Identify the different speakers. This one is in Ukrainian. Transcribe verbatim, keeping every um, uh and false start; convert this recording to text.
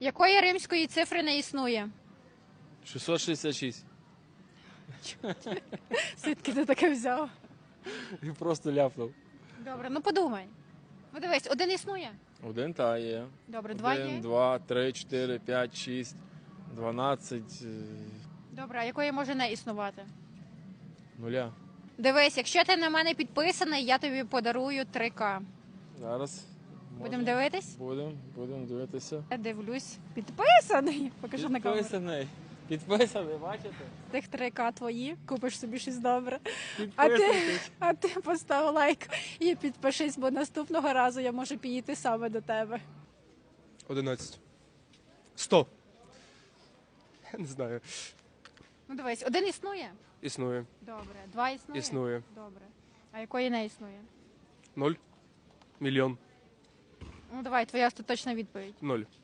Speaker 1: Якої римської цифри не існує?
Speaker 2: шістсот шістдесят шість.
Speaker 1: Звідки ти таке взяв?
Speaker 2: І просто ляпнув.
Speaker 1: Добре, ну подумай. Ну дивись, один існує?
Speaker 2: Один та є.
Speaker 1: Добре, два
Speaker 2: Один,
Speaker 1: є?
Speaker 2: два, три, чотири, п'ять, шість, дванадцять, е,
Speaker 1: Добре, а якої може не існувати?
Speaker 2: нуля.
Speaker 1: Дивись, якщо ти на мене підписаний, я тобі подарую три ка.
Speaker 2: Зараз.
Speaker 1: Будемо дивитись?
Speaker 2: Будемо, будемо дивитися.
Speaker 1: Я дивлюсь. Підписаний! Покажи на камеру.
Speaker 2: Підписаний. Підписаний, бачите?
Speaker 1: Тих три ка твої, купиш собі щось добре. А ти,
Speaker 2: Підписуйтесь.
Speaker 1: а ти постав лайк і підпишись, бо наступного разу я можу підійти саме до тебе.
Speaker 3: одинадцять. сто. Я не знаю.
Speaker 1: Ну дивись, один існує?
Speaker 3: Існує.
Speaker 1: Добре. Два існує?
Speaker 3: Існує.
Speaker 1: Добре. А якої не існує?
Speaker 3: Ноль. Мільйон.
Speaker 1: Ну давай, твоя остаточна відповідь.
Speaker 3: Ноль.